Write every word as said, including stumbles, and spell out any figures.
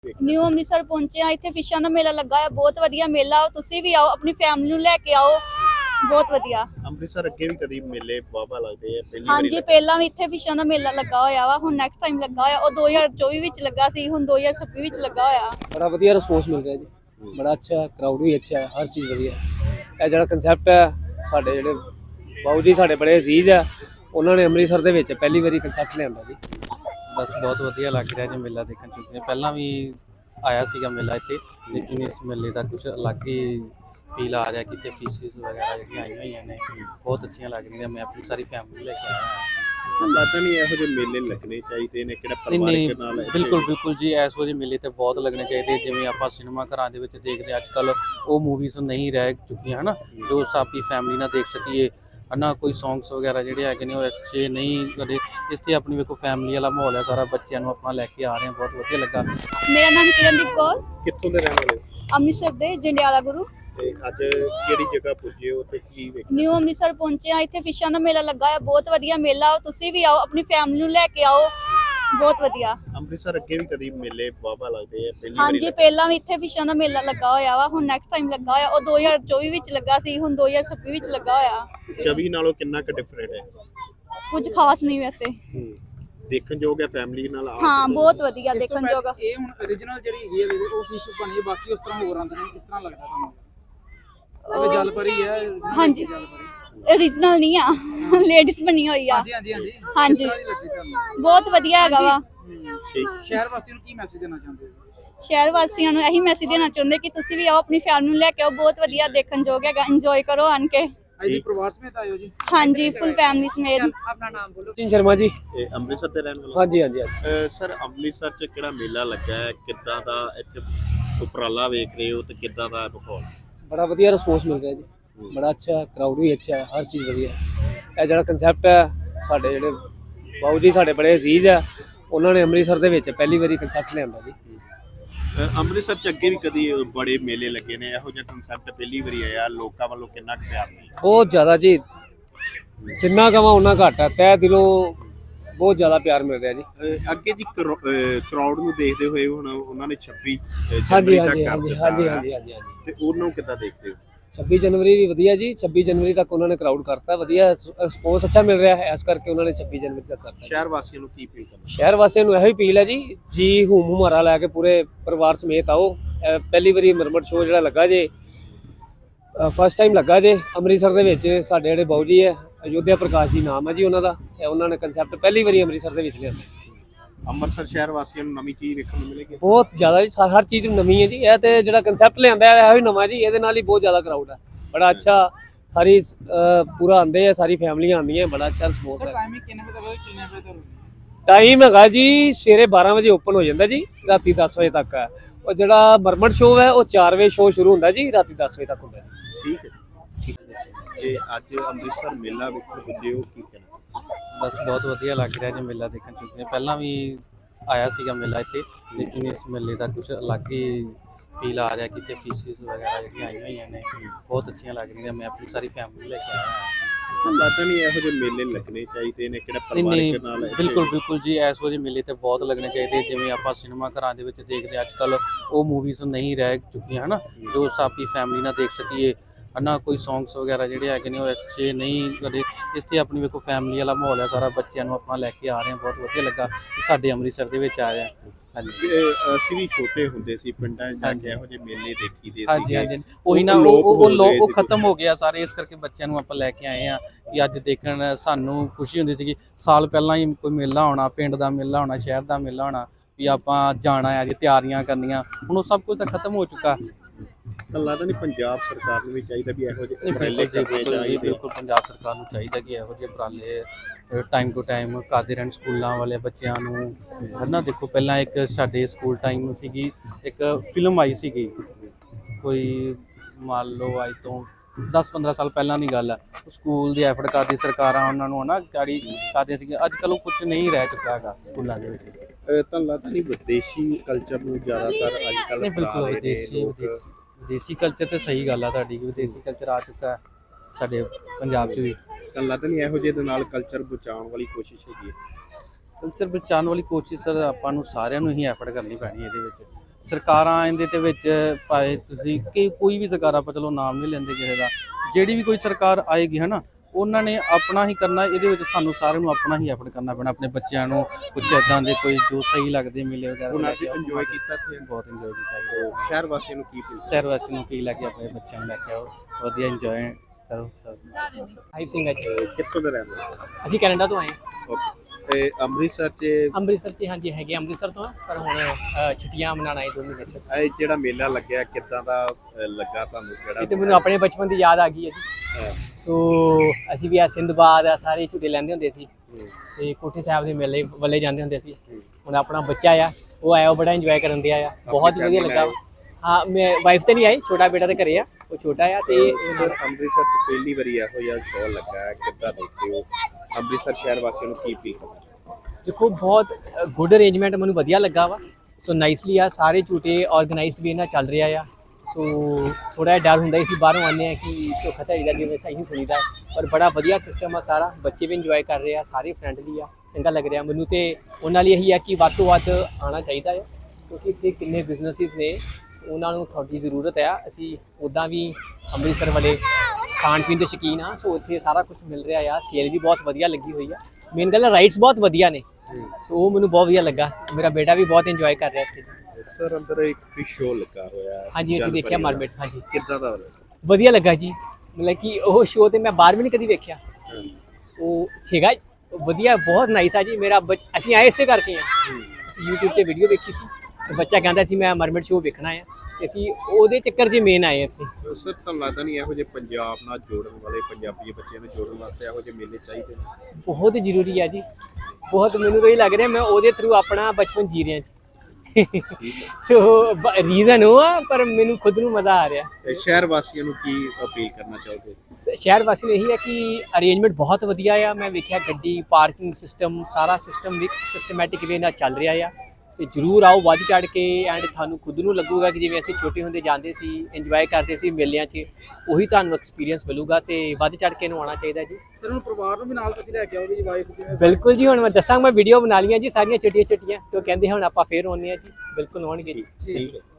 New Amritsar ਪਹੁੰਚੇ ਆ। ਇੱਥੇ ਫਿਸ਼ਾਂ ਦਾ ਮੇਲਾ ਲੱਗਾ ਹੈ, ਬਹੁਤ ਵਧੀਆ ਮੇਲਾ। ਤੁਸੀਂ ਵੀ ਆਓ, ਆਪਣੀ ਫੈਮਿਲੀ ਨੂੰ ਲੈ ਕੇ ਆਓ, ਬਹੁਤ ਵਧੀਆ। ਅੰਮ੍ਰਿਤਸਰ ਅੱਗੇ ਵੀ ਕਦੀ ਮੇਲੇ ਵਾਹਵਾ ਲੱਗਦੇ ਆ? ਪਹਿਲੀ ਵਾਰੀ ਹਾਂਜੀ, ਪਹਿਲਾਂ ਵੀ ਇੱਥੇ ਫਿਸ਼ਾਂ ਦਾ ਮੇਲਾ ਲੱਗਾ ਹੋਇਆ ਵਾ। ਹੁਣ ਨੈਕਸਟ ਟਾਈਮ ਲੱਗਾ ਹੋਇਆ, ਉਹ ਦੋ ਹਜ਼ਾਰ ਚੌਵੀ ਵਿੱਚ ਲੱਗਾ ਸੀ, ਹੁਣ ਦੋ ਹਜ਼ਾਰ ਛੱਬੀ ਵਿੱਚ ਲੱਗਾ ਹੋਇਆ। ਬੜਾ ਵਧੀਆ ਰਿਸਪੌਂਸ ਮਿਲ ਰਿਹਾ ਜੀ, ਬੜਾ ਅੱਛਾ, ਕਰਾਊਡ ਵੀ ਅੱਛਾ ਹੈ, ਹਰ ਚੀਜ਼ ਵਧੀਆ। ਇਹ ਜਿਹੜਾ ਕਨਸੈਪਟ ਹੈ, ਸਾਡੇ ਜਿਹੜੇ ਬਾਊ ਜੀ ਸਾਡੇ ਬੜੇ ਅਜ਼ੀਜ਼ ਆ, ਉਹਨਾਂ ਨੇ ਅੰਮ੍ਰਿਤਸਰ ਦੇ ਵਿੱਚ ਪਹਿਲੀ ਵਾਰੀ ਕਨਸੈਪਟ ਲਿਆਂਦਾ ਜੀ। ਬਸ ਬਹੁਤ ਵਧੀਆ ਲੱਗ ਰਿਹਾ ਜੀ ਮੇਲਾ ਦੇਖਣ ਚੁੱਕੇ ਪਹਿਲਾਂ ਵੀ ਆਇਆ ਸੀਗਾ ਮੇਲਾ ਇੱਥੇ, ਲੇਕਿਨ ਇਸ ਮੇਲੇ ਦਾ ਕੁਝ ਅਲੱਗ ਹੀ ਫੀਲ ਆ ਰਿਹਾ ਕਿ ਇੱਥੇ ਫਿਸ਼ਿਸ ਵਗੈਰਾ ਜਿਹੜੀਆਂ ਆਈਆਂ ਹੋਈਆਂ ਨੇ ਬਹੁਤ ਅੱਛੀਆਂ ਲੱਗ ਰਹੀਆਂ। ਮੈਂ ਆਪਣੀ ਸਾਰੀ ਫੈਮਿਲੀ ਲੈ ਕੇ ਆਇਆ। ਲੱਗਦਾ ਨਹੀਂ ਇਹੋ ਜਿਹੇ ਮੇਲੇ ਲੱਗਣੇ ਚਾਹੀਦੇ ਨੇ ਕਿਹੜਾ ਨਹੀਂ ਨਹੀਂ ਪਰਿਵਾਰਕ ਨਾਲ ਇੱਥੇ- ਬਿਲਕੁਲ ਬਿਲਕੁਲ ਜੀ, ਇਸ ਵਾਰੀ ਮੇਲੇ ਤੇ ਬਹੁਤ ਲੱਗਣੇ ਚਾਹੀਦੇ। ਜਿਵੇਂ ਆਪਾਂ ਸਿਨੇਮਾ ਘਰਾਂ ਦੇ ਵਿੱਚ ਦੇਖਦੇ ਅੱਜ ਕੱਲ ਉਹ ਮੂਵੀਜ਼ ਨਹੀਂ ਰਹਿ ਚੁੱਕੀਆਂ ਹੈ ਨਾ, ਜੋ ਸਾਪੀ ਫੈਮਿਲੀ ਨਾਲ ਦੇਖ ਸਕੀਏ ਹੈ ਨਾ। ਕੋਈ ਸੌਂਗਸ ਵਗੈਰਾ ਜਿਹੜੇ ਹੈਗੇ ਨੇ ਉਹ ਇਸ 'ਚ ਨਹੀਂ ਕਦੇ। ਇੱਥੇ ਆਪਣੀ ਵੇਖੋ ਫੈਮਿਲੀ ਵਾਲਾ ਮਾਹੌਲ ਹੈ ਸਾਰਾ, ਬੱਚਿਆਂ ਨੂੰ ਆਪਣਾ ਲੈ ਕੇ ਆ ਰਹੇ ਹਾਂ, ਬਹੁਤ ਵਧੀਆ ਲੱਗਾ। ਮੇਰਾ ਨਾਮ ਕਿਰਨਦੀਪ ਕੌਰ, ਕਿੱਥੋਂ ਦੇ ਰਹਿਣ ਵਾਲੇ ਹੋ? ਅੰਮ੍ਰਿਤਸਰ ਦੇ ਜੰਡਿਆਲਾ ਗੁਰੂ। ਤੇ ਅੱਜ ਕਿਹੜੀ ਜਗ੍ਹਾ ਪੁੱਜੇ ਹੋ ਤੇ ਕੀ ਵੇਖਿਆ? ਨਿਊ ਅੰਮ੍ਰਿਤਸਰ ਪਹੁੰਚੇ ਆ। ਇੱਥੇ ਫਿਸ਼ਾਂ ਦਾ ਮੇਲਾ ਲੱਗਾ ਹੈ, ਬਹੁਤ ਵਧੀਆ ਮੇਲਾ। ਤੁਸੀਂ ਵੀ ਆਓ, ਆਪਣੀ ਫੈਮਿਲੀ ਨੂੰ ਲੈ ਕੇ ਆਓ, ਬਹੁਤ ਵਧੀਆ। ਅੰਮ੍ਰਿਤਸਰ ਅੱਗੇ ਵੀ ਕਦੀ ਮੇਲੇ ਵਾਹਵਾ ਲੱਗਦੇ ਆ? ਪਹਿਲੀ ਵਾਰੀ ਹਾਂਜੀ, ਪਹਿਲਾਂ ਵੀ ਇੱਥੇ ਫਿਸ਼ਾਂ ਦਾ ਮੇਲਾ ਲੱਗਾ ਹੋਇਆ ਵਾ। ਹੁਣ ਨੈਕਸਟ ਟਾਈਮ ਲੱਗਾ ਹੋਇਆ, ਉਹ ਦੋ ਹਜ਼ਾਰ ਚੌਵੀ ਵਿੱਚ ਲੱਗਾ ਸੀ, ਹੁਣ ਦੋ ਹਜ਼ਾਰ ਛੱਬੀ ਵਿੱਚ ਲੱਗਾ ਹੋਇਆ। ਚੌਵੀ ਨਾਲੋਂ ਕਿੰਨਾ ਕੁ ਡਿਫਰੈਂਟ ਹੈ? ਕੁਝ ਖਾਸ ਨਹੀਂ ਵੈਸੇ। ਦੇਖਣ ਯੋਗ ਹੈ ਫੈਮਿਲੀ ਨਾਲ ਆ ਹਾਂ, ਕੇ? ਬਹੁਤ ਵਧੀਆ ਦੇਖਣ ਯੋਗ। ਇਹ ਹੁਣ origignal ਜਿਹੜੀ ਹੈਗੀ ਹੈ ਉਹ ਫਿਸ਼ ਬਣੀ ਹੈ, ਬਾਕੀ ਉਸ ਤਰ੍ਹਾਂ ਹੋਰ ਆਉਂਦੇ ਨੇ, ਕਿਸ ਤਰ੍ਹਾਂ ਲੱਗਦਾ ਤੁਹਾਨੂੰ? ਉਹ ਜਲ ਪਰੀ ਹੈ? ਹਾਂਜੀ, origignal ਨਹੀਂ ਆ, ਲੇਡੀਜ਼ ਬਣੀ ਹੋਈ ਆ। ਹਾਂਜੀ ਹਾਂਜੀ ਹਾਂਜੀ ਹਾਂਜੀ, ਕਿਸ ਤਰ੍ਹਾਂ ਦੀ ਲੱਗੀ ਤੁਹਾਨੂੰ? ਬਹੁਤ ਵਧੀਆ ਹੈਗਾ ਵਾ। ਠੀਕ। ਸ਼ਹਿਰ ਵਾਸੀਆਂ ਨੂੰ ਕੀ ਮੈਸੇਜ ਦੇਣਾ ਚਾਹੁੰਦੇ ਹੋ? ਸ਼ਹਿਰ ਵਾਸੀਆਂ ਨੂੰ ਇਹੀ ਮੈਸੇਜ ਦੇਣਾ ਚਾਹੁੰਦੇ ਕਿ ਤੁਸੀਂ ਵੀ ਆਓ, ਆਪਣੀ ਫੈਮਿਲੀ ਨੂੰ ਲੈ ਕੇ ਆਓ, ਬਹੁਤ ਵਧੀਆ ਦੇਖਣ ਯੋਗ ਹੈਗਾ। ਇੰਜੋਏ ਕਰੋ ਆਣ ਕੇ। ਅੱਜ ਦੀ ਪਰਿਵਾਰ ਸਮੇਤ ਆਇਓ ਜੀ? ਹਾਂਜੀ, ਫੁੱਲ ਫੈਮਿਲੀ ਸਮੇਤ। ਆਪਣਾ ਨਾਮ ਬੋਲੋ। ਸਚਿਨ ਸ਼ਰਮਾ ਜੀ। ਇਹ ਅੰਮ੍ਰਿਤਸਰ ਦੇ ਰਹਿਣ ਵਾਲੇ? ਹਾਂਜੀ ਹਾਂਜੀ ਹਾਂਜੀ। ਅਹ ਸਰ, ਅੰਮ੍ਰਿਤਸਰ 'ਚ ਕਿਹੜਾ ਮੇਲਾ ਲੱਗਾ ਹੈ, ਕਿੱਦਾਂ ਦਾ ਇੱਥੇ ਉਪਰਾਲਾ ਵੇਖ ਰਹੇ ਹੋ ਤੇ ਕਿੱਦਾਂ ਦਾ ਮਾਹੌਲ? ਬੜਾ ਵਧੀਆ ਰਿਸਪੌਂਸ ਮਿਲ ਰਿਹਾ ਜੀ, ਬੜਾ ਅੱਛਾ, ਕਰਾਊਡ ਵੀ ਅੱਛਾ ਹੈ, ਹਰ ਚੀਜ਼ ਵਧੀਆ। ਇਹ ਜਿਹੜਾ ਕਨਸੈਪਟ ਹੈ, ਸਾਡੇ ਜਿਹੜੇ ਬਾਊ ਜੀ ਸਾਡੇ ਬੜੇ ਅਜ਼ੀਜ਼ ਆ, ਉਹਨਾਂ ਨੇ ਅੰਮ੍ਰਿਤਸਰ ਦੇ ਵਿੱਚ ਪਹਿਲੀ ਵਾਰੀ ਕਨਸੈਪਟ ਲਿਆਂਦਾ ਜੀ। ਅਹ ਅੰਮ੍ਰਿਤਸਰ 'ਚ ਅੱਗੇ ਵੀ ਕਦੀ ਬੜੇ ਮੇਲੇ ਲੱਗੇ ਨੇ, ਇਹੋ ਜਿਹਾ ਕਨਸੈਪਟ ਪਹਿਲੀ ਵਾਰੀ ਆਇਆ, ਲੋਕਾਂ ਵੱਲੋਂ ਕਿੰਨਾ ਕੁ ਪਿਆਰ ਮਿਲਿਆ? ਬਹੁਤ ਜ਼ਿਆਦਾ ਜੀ, ਜਿੰਨਾ ਕਵਾਂ ਉਹਨਾਂ ਘੱਟ ਹੈ। ਤਹਿ ਦਿਲੋਂ ਬਹੁਤ ਜ਼ਿਆਦਾ ਪਿਆਰ ਮਿਲ ਰਿਹਾ ਜੀ। ਅਹ ਅੱਗੇ ਦੀ ਕਰਾਊਡ ਨੂੰ ਦੇਖਦੇ ਹੋਏ ਹੁਣ ਉਹਨਾਂ ਨੇ ਛੱਬੀ ਹਾਂਜੀ ਜਨਵਰੀ ਤੱਕ ਹਾਂਜੀ ਕਰ ਹਾਂਜੀ ਦਿੱਤਾ ਹਾਂਜੀ ਹੈ, ਹਾਂਜੀ ਹਾਂਜੀ ਹਾਂਜੀ ਤੇ ਉਹਨੂੰ ਕਿੱਦਾਂ ਦੇਖਦੇ ਹੋ? ਛੱਬੀ ਜਨਵਰੀ ਵੀ ਵਧੀਆ ਜੀ, ਛੱਬੀ ਜਨਵਰੀ ਤੱਕ ਉਹਨਾਂ ਨੇ ਕਰਾਊਡ ਕਰਤਾ, ਵਧੀਆ ਰਿਸਪੌਂਸ ਅੱਛਾ ਮਿਲ ਰਿਹਾ ਹੈ, ਇਸ ਕਰਕੇ ਉਹਨਾਂ ਨੇ ਛੱਬੀ ਜਨਵਰੀ ਤੱਕ ਕਰਤਾ। ਸ਼ਹਿਰ ਵਾਸੀਆਂ ਨੂੰ ਕੀ ਅਪੀਲ ਕਰਨਾ? ਸ਼ਹਿਰ ਵਾਸੀਆਂ ਨੂੰ ਇਹੋ ਹੀ ਅਪੀਲ ਹੈ ਜੀ, ਜੀ ਹੂਮ ਹੁਮਾਰਾ ਲੈ ਕੇ ਪੂਰੇ ਪਰਿਵਾਰ ਸਮੇਤ ਆਓ। ਅਹ ਪਹਿਲੀ ਵਾਰੀ ਮਰਮਟ ਸ਼ੋਅ ਜਿਹੜਾ ਲੱਗਾ ਜੇ, ਫਸਟ ਟਾਈਮ ਲੱਗਾ ਜੇ ਅੰਮ੍ਰਿਤਸਰ ਦੇ ਵਿੱਚ। ਸਾਡੇ ਜਿਹੜੇ ਬਾਊ ਜੀ ਹੈ, ਅਯੋਧਿਆ ਪ੍ਰਕਾਸ਼ ਜੀ ਨਾਮ ਹੈ ਜੀ ਉਹਨਾਂ ਦਾ, ਇਹ ਉਹਨਾਂ ਨੇ ਕਨਸੈਪਟ ਪਹਿਲੀ ਵਾਰੀ ਅੰਮ੍ਰਿਤਸਰ ਦੇ ਵਿੱਚ ਲਿਆਂਦਾ। ਅੰਮ੍ਰਿਤਸਰ ਸ਼ਹਿਰ ਵਾਸੀਆਂ ਨੂੰ ਨਵੀਂ ਚੀਜ਼ ਵੇਖਣ ਨੂੰ ਮਿਲੇਗੀ? ਬਹੁਤ ਜ਼ਿਆਦਾ ਜੀ, ਸਾ- ਹਰ ਚੀਜ਼ ਨਵੀਂ ਹੈ ਜੀ। ਇਹ ਤੇ ਜਿਹੜਾ ਕਨਸੈਪਟ ਲਿਆਂਦਾ ਹੈ ਇਹੋ ਹੀ ਨਵਾਂ ਜੀ, ਇਹਦੇ ਨਾਲ ਹੀ ਬਹੁਤ ਜ਼ਿਆਦਾ ਕਰਾਊਡ ਹੈ, ਬੜਾ ਅੱਛਾ। ਸਾਰੀ ਅਹ ਪੂਰਾ ਆਉਂਦੇ ਆ, ਸਾਰੀ ਫੈਮਲੀਆਂ ਆਉਂਦੀਆਂ, ਬੜਾ ਅੱਛਾ ਰਿਸਪੌਂਸ ਸਰ ਹੈ। ਟਾਈਮਿੰਗ ਕਿੰਨੇ ਵਜੇ ਤੱਕ ਕਿੰਨੇ ਵਜੇ ਤੱਕ? ਟਾਈਮ ਹੈਗਾ ਜੀ ਸਵੇਰੇ ਬਾਰਾਂ ਵਜੇ ਓਪਨ ਹੋ ਜਾਂਦਾ ਜੀ, ਰਾਤੀ ਦਸ ਵਜੇ ਤੱਕ ਹੈ। ਉਹ ਜਿਹੜਾ ਮਰਮਟ ਸ਼ੋਅ ਹੈ ਉਹ ਚਾਰ ਵਜੇ ਸ਼ੋਅ ਸ਼ੁਰੂ ਹੁੰਦਾ ਜੀ, ਰਾਤੀ ਦਸ ਵਜੇ ਤੱਕ ਹੁੰਦਾ ਜੀ। ਠੀਕ ਹੈ ਠੀਕ ਹੈ। ਤੇ ਅੱਜ ਅੰਮ੍ਰਿਤਸਰ ਮੇਲਾ ਵੇਖਣ ਪੁੱਜੇ ਹੋ, ਕੀ ਕਹਿਣਾ? ਬਸ ਬਹੁਤ ਵਧੀਆ ਲੱਗ ਰਿਹਾ ਜੀ ਮੇਲਾ ਦੇਖਣ ਚੁੱਕੇ ਪਹਿਲਾਂ ਵੀ ਆਇਆ ਸੀਗਾ ਮੇਲਾ ਇੱਥੇ, ਲੇਕਿਨ ਇਸ ਮੇਲੇ ਦਾ ਕੁਝ ਅਲੱਗ ਹੀ ਫੀਲ ਆ ਰਿਹਾ ਕਿ ਇੱਥੇ ਫਿਸ਼ਿਸ ਵਗੈਰਾ ਜਿਹੜੀਆਂ ਆਈਆਂ ਹੋਈਆਂ ਨੇ ਬਹੁਤ ਅੱਛੀਆਂ ਲੱਗ ਰਹੀਆਂ। ਮੈਂ ਆਪਣੀ ਸਾਰੀ ਫੈਮਿਲੀ ਲੈ ਕੇ ਆਇਆ। ਲੱਗਦਾ ਨਹੀਂ ਇਹੋ ਜਿਹੇ ਮੇਲੇ ਲੱਗਣੇ ਚਾਹੀਦੇ ਨੇ ਕਿਹੜਾ ਨਹੀਂ ਨਹੀਂ ਪਰਿਵਾਰਕ ਨਾਲ ਇੱਥੇ- ਬਿਲਕੁਲ ਬਿਲਕੁਲ ਜੀ, ਇਸ ਵਾਰੀ ਮੇਲੇ ਤੇ ਬਹੁਤ ਲੱਗਣੇ ਚਾਹੀਦੇ। ਜਿਵੇਂ ਆਪਾਂ ਸਿਨੇਮਾ ਘਰਾਂ ਦੇ ਵਿੱਚ ਦੇਖਦੇ ਅੱਜ ਕੱਲ ਉਹ ਮੂਵੀਜ਼ ਨਹੀਂ ਰਹਿ ਚੁੱਕੀਆਂ ਹੈ ਨਾ, ਜੋ ਸਾਪੀ ਫੈਮਿਲੀ ਨਾਲ ਦੇਖ ਸਕੀਏ ਹੈ ਨਾ। ਕੋਈ ਸੌਂਗਸ ਵਗੈਰਾ ਜਿਹੜੇ ਹੈਗੇ ਨੇ ਉਹ ਇਸ 'ਚ ਨਹੀਂ ਕਦੇ। ਇੱਥੇ ਆਪਣੀ ਵੇਖੋ ਫੈਮਿਲੀ ਵਾਲਾ ਮਾਹੌਲ ਹੈ ਸਾਰਾ, ਬੱਚਿਆਂ ਨੂੰ ਆਪਣਾ ਲੈ ਕੇ ਆ ਰਹੇ ਹਾਂ, ਬਹੁਤ ਵਧੀਆ ਲੱਗਾ ਕਿ ਸਾਡੇ ਅੰਮ੍ਰਿਤਸਰ ਦੇ ਵਿੱਚ ਆ ਰਿਹਾ। ਹਾਂਜੀ ਇਹ ਅਸੀਂ ਵੀ ਛੋਟੇ ਹੁੰਦੇ ਸੀ, ਪਿੰਡਾਂ 'ਚ ਜਾ ਕੇ ਇਹੋ ਜਿਹੇ ਮੇਲੇ ਦੇਖੀਦੇ ਹਾਂਜੀ ਸੀਗੇ। ਹਾਂਜੀ ਉਹੀ ਨਾ, ਉਹ ਉਹ ਲੋਪ ਉਹ ਹੋ ਲੋਕ ਗਏ ਉਹ ਸੀ ਖਤਮ ਹੋ ਗਿਆ ਸਾਰੇ, ਇਸ ਕਰਕੇ ਬੱਚਿਆਂ ਨੂੰ ਆਪਾਂ ਲੈ ਕੇ ਆਏ ਆ ਕਿ ਅੱਜ ਦੇਖਣ ਸਾਨੂੰ ਖੁਸ਼ੀ ਹੁੰਦੀ ਸੀ ਕਿ ਸਾਲ ਪਹਿਲਾਂ ਹੀ ਕੋਈ ਮੇਲਾ ਹੋਣਾ, ਪਿੰਡ ਦਾ ਮੇਲਾ ਹੋਣਾ, ਸ਼ਹਿਰ ਦਾ ਮੇਲਾ ਹੋਣਾ, ਵੀ ਆਪਾਂ ਜਾਣਾ ਹੈ ਜੀ, ਤਿਆਰੀਆਂ ਕਰਨੀਆਂ। ਹੁਣ ਉਹ ਸਭ ਕੁਝ ਤਾਂ ਖਤਮ ਹੋ ਚੁੱਕਾ। ਤਾਂ ਲੱਗਦਾ ਨਹੀਂ ਪੰਜਾਬ ਸਰਕਾਰ ਨੂੰ ਵੀ ਚਾਹੀਦਾ ਵੀ ਇਹੋ ਜਿਹੇ ਉਪਰਾਲੇ ਬਿਲਕੁਲ ਜੀ, ਕਰਨੇ ਬਿਲਕੁਲ ਜੀ, ਚਾਹੀਦੇ? ਬਿਲਕੁਲ ਪੰਜਾਬ ਸਰਕਾਰ ਨੂੰ ਚਾਹੀਦਾ ਕਿ ਇਹੋ ਜਿਹੇ ਉਪਰਾਲੇ ਟਾਈਮ ਟੂ ਟਾਈਮ ਕਰਦੇ ਰਹਿਣ ਸਕੂਲਾਂ ਵਾਲੇ ਬੱਚਿਆਂ ਨੂੰ ਹੈ ਨਾ। ਦੇਖੋ ਪਹਿਲਾਂ ਇੱਕ ਸਾਡੇ ਸਕੂਲ ਟਾਈਮ ਸੀਗੀ, ਇੱਕ ਫਿਲਮ ਆਈ ਸੀਗੀ ਕੋਈ, ਮੰਨ ਲਓ ਅੱਜ ਤੋਂ ਦਸ ਪੰਦਰਾਂ ਸਾਲ ਪਹਿਲਾਂ ਦੀ ਗੱਲ ਹੈ। ਸਕੂਲ ਦੀ ਐਫਰਟ ਕਰਦੀ ਸਰਕਾਰਾਂ ਉਹਨਾਂ ਨੂੰ ਹੈ ਨਾ ਗਾੜੀ ਕਰਦੀਆਂ ਸੀਗੀਆਂ। ਅੱਜ ਕੱਲ੍ਹ ਉਹ ਕੁਝ ਨਹੀਂ ਰਹਿ ਚੁੱਕਾ ਹੈਗਾ ਸਕੂਲਾਂ ਦੇ ਵਿੱਚ। ਅਹ ਤਾਂ ਲੱਗਦਾ ਨਹੀਂ ਵਿਦੇਸ਼ੀ ਕਲਚਰ ਨੂੰ ਜ਼ਿਆਦਾਤਰ ਅੱਜ ਕੱਲ੍ਹ ਨਹੀਂ ਬਿਲਕੁਲ ਵਿਦੇਸ਼ੀ ਵਿਦੇਸ਼ੀ ਵਿਦੇਸ਼ੀ ਕਲਚਰ ਤੇ ਸਹੀ ਗੱਲ ਆ ਤੁਹਾਡੀ ਕਿ ਵਿਦੇਸ਼ੀ ਕਲਚਰ ਆ ਚੁੱਕਾ ਸਾਡੇ ਪੰਜਾਬ 'ਚ ਵੀ। ਤਾਂ ਲੱਗਦਾ ਨਹੀਂ ਇਹੋ ਜਿਹੇ ਦੇ ਨਾਲ ਕਲਚਰ ਬਚਾਉਣ ਵਾਲੀ ਕੋਸ਼ਿਸ਼ ਹੈਗੀ ਹੈ? ਕਲਚਰ ਬਚਾਉਣ ਵਾਲੀ ਕੋਸ਼ਿਸ਼ ਸਰ ਆਪਾਂ ਨੂੰ ਸਾਰਿਆਂ ਨੂੰ ਹੀ ਐਫਰਟ ਕਰਨੀ ਪੈਣੀ ਇਹਦੇ ਵਿੱਚ। ਸਰਕਾਰਾਂ ਇਹਦੇ ਤੇ ਵਿੱਚ ਭਾਵੇਂ ਤੁਸੀਂ ਕਿ ਕੋਈ ਵੀ ਸਰਕਾਰ, ਆਪਾਂ ਚਲੋ ਨਾਮ ਨਹੀਂ ਲੈਂਦੇ ਕਿਸੇ ਦਾ, ਜਿਹੜੀ ਵੀ ਕੋਈ ਸਰਕਾਰ ਆਏਗੀ ਹੈ ਨਾ, ਉਹਨਾਂ ਨੇ ਆਪਣਾ ਹੀ ਕਰਨਾ। ਇਹਦੇ ਵਿੱਚ ਸਾਨੂੰ ਸਾਰਿਆਂ ਨੂੰ ਆਪਣਾ ਹੀ ਐਫਰਟ ਕਰਨਾ ਪੈਣਾ, ਆਪਣੇ ਬੱਚਿਆਂ ਨੂੰ ਕੁਛ ਇਦਾਂ ਦੇ ਕੋਈ ਜੋ ਸਹੀ ਲੱਗਦੇ ਮੇਲੇ ਵਗੈਰਾ ਹੁਣ ਲੈ ਅੱਜ ਕੇ ਆਓ। ਇੰਜੋਏ ਕੀਤਾ ਸੀ, ਬਹੁਤ ਇੰਜੋਏ ਕੀਤਾ ਜੀ। ਸ਼ਹਿਰ ਵਾਸੀਆਂ ਨੂੰ ਕੀ ਫੀਲ ਸ਼ਹਿਰ ਵਾਸੀ ਨੂੰ ਕੀ ਲੈ ਕੇ ਆਪਣੇ ਬੱਚਿਆਂ ਨੂੰ ਲੈ ਕੇ ਆਓ, ਵਧੀਆ ਇੰਜੋਏ ਕਰੋ ਸਭ। ਹਾਈਪ ਸਿੰਘ ਹੈ ਜੀ। ਕਿੱਥੋਂ ਦੇ ਰਹਿਣ ਵਾਲੇ? ਅਸੀਂ ਕੈਨੇਡਾ ਤੋਂ ਆਏ ਹਾਂ। ਓਕੇ, ਤੇ ਅੰਮ੍ਰਿਤਸਰ 'ਚ ਅੰਮ੍ਰਿਤਸਰ 'ਚ ਹਾਂਜੀ ਹੈਗੇ ਅੰਮ੍ਰਿਤਸਰ ਤੋਂ ਹਾਂ, ਪਰ ਹੁਣ ਅ, ਛੁੱਟੀਆਂ ਮਨਾਉਣ ਆਏ ਦੋ ਮਹੀਨੇ 'ਚ। ਇਹ ਜਿਹੜਾ ਮੇਲਾ ਲੱਗਿਆ ਕਿੱਦਾਂ ਦਾ ਅ, ਲੱਗਾ ਤੁਹਾਨੂੰ? ਇਹ ਤੇ ਜਿਹੜਾ ਮੈਨੂੰ ਆਪਣੇ ਬਚਪਨ ਦੀ ਯਾਦ ਆ ਗਈ ਹੈ ਜੀ। ਹਾਂ। ਸੋ ਅਸੀਂ ਵੀ ਆ ਸਿੰਧਬਾਦ ਆ ਸਾਰੇ ਝੂਟੇ ਲੈਂਦੇ ਹੁੰਦੇ ਸੀ ਹੂੰ। ਤੇ ਕੋਠੇ ਸਾਹਿਬ ਦੇ ਮੇਲੇ ਵੱਲੇ ਜਾਂਦੇ ਹੁੰਦੇ ਸੀ। ਹੁਣ ਆਪਣਾ ਬੱਚਾ ਆ, ਉਹ ਆਇਆ, ਉਹ ਬੜਾ ਇੰਜੋਏ ਕਰਨ ਦਿਆ ਆ, ਬਹੁਤ ਹੀ ਵਧੀਆ family ਲੱਗਾ। ਹਾਂ, ਮੈਂ ਵਾਈਫ ਤੇ ਨਹੀਂ ਆਈ, ਛੋਟਾ ਬੇਟਾ ਤੇ ਘਰੇ ਆ, ਉਹ ਛੋਟਾ ਆ ਤੇ ਸਰ ਅੰਮ੍ਰਿਤਸਰ 'ਚ ਪਹਿਲੀ ਵਾਰੀ ਇਹੋ ਜਿਹਾ ਸ਼ੋਅ ਲੱਗਾ ਹੈ, ਕਿੱਦਾਂ ਦੇਖਦੇ ਹੋ? ਅੰਮ੍ਰਿਤਸਰ ਸ਼ਹਿਰ ਵਾਸੀਆਂ ਨੂੰ ਕੀ ਫੀਲ ਕਰਨਾ? ਦੇਖੋ ਬਹੁਤ ਗੁੱਡ ਅਰੇਂਜਮੈਂਟ ਮੈਨੂੰ ਵਧੀਆ ਲੱਗਾ ਵਾ। ਸੋ ਨਾਈਸਲੀ ਆ, ਸਾਰੇ ਝੂਟੇ ਆਰਗੇਨਾਈਜ਼ਡ ਵੀ ਇਹਨਾਂ ਚੱਲ ਰਿਹਾ ਆ। ਸੋ ਥੋੜਾ ਜਿਹਾ ਡਰ ਹੁੰਦਾ ਸੀ ਬਾਹਰੋਂ ਆਉਂਦੇ ਆ ਕਿ ਧੋਖਾ ਧੜੀ ਦਾ ਜਿਵੇਂ ਸਹੀ ਸੁਣੀਦਾ, ਪਰ ਬੜਾ ਵਧੀਆ ਸਿਸਟਮ ਆ ਸਾਰਾ। ਬੱਚੇ ਵੀ ਇੰਜੋਏ ਕਰ ਰਹੇ ਆ, ਸਾਰੇ ਫਰੈਂਡਲੀ ਆ, ਚੰਗਾ ਲੱਗ ਰਿਹਾ ਮੈਨੂੰ। ਤੇ ਉਹਨਾਂ ਲਈ ਇਹੀ ਆ ਕਿ ਵੱਧ ਤੋਂ ਵੱਧ ਆਉਣਾ ਚਾਹੀਦਾ ਆ, ਕਿਉਂਕਿ ਇੱਥੇ ਕਿੰਨੇ ਬਿਜ਼ਨਸਿਸ ਨੇ, ਉਹਨਾਂ ਨੂੰ ਤੁਹਾਡੀ ਜ਼ਰੂਰਤ ਆ। ਅਸੀਂ ਉੱਦਾਂ ਵੀ ਅੰਮ੍ਰਿਤਸਰ ਵਾਲੇ ਖਾਣ ਪੀਣ ਦੇ ਸ਼ੌਕੀਨ ਆ, ਸੋ ਇੱਥੇ ਸਾਰਾ ਕੁਝ ਮਿਲ ਰਿਹਾ ਆ। ਸੇਲ ਵੀ ਬਹੁਤ ਵਧੀਆ ਲੱਗੀ ਹੋਈ ਆ। ਮੇਨ ਗੱਲ ਰਾਈਡਸ ਬਹੁਤ ਵਧੀਆ ਨੇ, ਸੋ ਉਹ ਮੈਨੂੰ ਬਹੁਤ ਵਧੀਆ ਲੱਗਾ। ਮੇਰਾ ਬੇਟਾ ਵੀ ਬਹੁਤ ਇੰਜੋਏ ਕਰ ਰਿਹਾ ਇੱਥੇ। ਸਰ ਅੰਦਰ ਇੱਕ ਫਿਸ਼ ਸ਼ੋਅ ਲੱਗਾ ਹੋਇਆ ਹੈ, ਹਾਂਜੀ ਅਸੀਂ ਜਲ ਦੇਖਿਆ ਪਰੀ ਮਾਰਬੇਟ। ਦਾ। ਹਾਂਜੀ ਕਿੱਦਾਂ ਦਾ ਹੋਇਆ? ਵਧੀਆ ਲੱਗਾ ਜੀ, ਮਤਲਬ ਕਿ ਉਹ ਸ਼ੋਅ ਤੇ ਮੈਂ ਬਾਹਰ ਵੀ ਨਹੀਂ ਕਦੀ ਵੇਖਿਆ। ਹੂੰ। ਉਹ ਸੀਗਾ ਵਧੀਆ, ਬਹੁਤ ਨਾਈਸ ਆ ਜੀ। ਮੇਰਾ ਬੱਚ- ਅਸੀਂ ਆਏ ਇਸੇ ਕਰਕੇ ਆ, ਅਸੀਂ YouTube ਤੇ ਵੀਡੀਓ ਵੇਖੀ ਸੀ ਤੇ ਬੱਚਾ ਕਹਿੰਦਾ ਸੀ ਮੈਂ ਮਰਮਟ ਸ਼ੋਅ ਵੇਖਣਾ ਆ, ਤੇ ਅਸੀਂ ਉਹਦੇ ਚੱਕਰ 'ਚ ਮੇਨ ਆਏ ਇੱਥੇ। ਸਰ ਤੁਹਾਨੂੰ ਲੱਗਦਾ ਨਹੀਂ ਇਹੋ ਜਿਹੇ ਪੰਜਾਬ ਨਾਲ ਜੋੜਨ ਵਾਲੇ, ਪੰਜਾਬੀ ਬੱਚਿਆਂ ਨੂੰ ਜੋੜਨ ਵਾਸਤੇ ਇਹੋ ਜਿਹੇ ਮੇਲੇ ਚਾਹੀਦੇ ਨੇ? ਬਹੁਤ ਜ਼ਰੂਰੀ ਆ ਜੀ, ਬਹੁਤ। ਮੈਨੂੰ ਤਾਂ ਇਹ ਲੱਗ ਰਿਹਾ ਮੈਂ ਉਹਦੇ ਥਰੂ ਆਪਣਾ ਬਚਪਨ ਜੀ ਰਿਹਾ ਜੀ। ਸੋ ਰੀਜ਼ਨ ਉਹ ਆ, ਪਰ ਮੈਨੂੰ ਖੁਦ ਨੂੰ ਮਜ਼ਾ ਆ ਰਿਹਾ। ਤੇ ਸ਼ਹਿਰ ਵਾਸੀਆਂ ਨੂੰ ਕੀ ਅਪੀਲ ਕਰਨਾ ਚਾਹੋਗੇ? ਸ- ਸ਼ਹਿਰ ਵਾਸੀ ਨੂੰ ਇਹੀ ਹੈ ਕਿ ਅਰੇਂਜਮੈਂਟ ਬਹੁਤ ਵਧੀਆ ਆ। ਮੈਂ ਵੇਖਿਆ ਗੱਡੀ ਪਾਰਕਿੰਗ ਸਿਸਟਮ, ਸਾਰਾ ਸਿਸਟਮ ਵੀ ਸਿਸਟਮੈਟਿਕ ਵੇ ਨਾਲ ਚੱਲ ਰਿਹਾ ਆ। ਤੇ ਜਰੂਰ ਆਓ ਵੱਧ ਚੜ ਕੇ, ਐਂਡ ਤੁਹਾਨੂੰ ਖੁਦ ਨੂੰ ਲੱਗੂਗਾ ਕਿ ਜਿਵੇਂ ਅਸੀਂ ਛੋਟੇ ਹੁੰਦੇ ਜਾਂਦੇ ਸੀ, ਇੰਜੋਏ ਕਰਦੇ ਸੀ ਮੇਲਿਆਂ 'ਚ, ਉਹੀ ਤੁਹਾਨੂੰ ਐਕਸਪੀਰੀਅੰਸ ਮਿਲੂਗਾ। ਤੇ ਵੱਧ ਚੜ ਕੇ ਨੂੰ ਆਉਣਾ ਚਾਹੀਦਾ ਜੀ। ਸਰ ਹੁਣ ਪਰਿਵਾਰ ਨੂੰ ਵੀ ਨਾਲ ਤੁਸੀਂ ਲੈ ਕੇ ਆਓਗੇ ਜੀ, ਵਾਈਫ ਜਿਵੇਂ? ਬਿਲਕੁਲ ਜੀ, ਹੁਣ ਮੈਂ ਦੱਸਾਂਗਾ, ਮੈਂ ਵੀਡੀਓ ਬਣਾ ਲਈਆਂ ਜੀ ਸਾਰੀਆਂ ਛੋਟੀਆਂ ਛੋਟੀਆਂ, ਤੇ ਉਹ ਕਹਿੰਦੇ ਹੁਣ ਆਪਾਂ ਫੇਰ ਆਉਂਦੇ ਹਾਂ ਜੀ। ਬਿਲਕੁਲ ਆਉਣਗੇ ਜੀ। ਠੀਕ ਹੈ।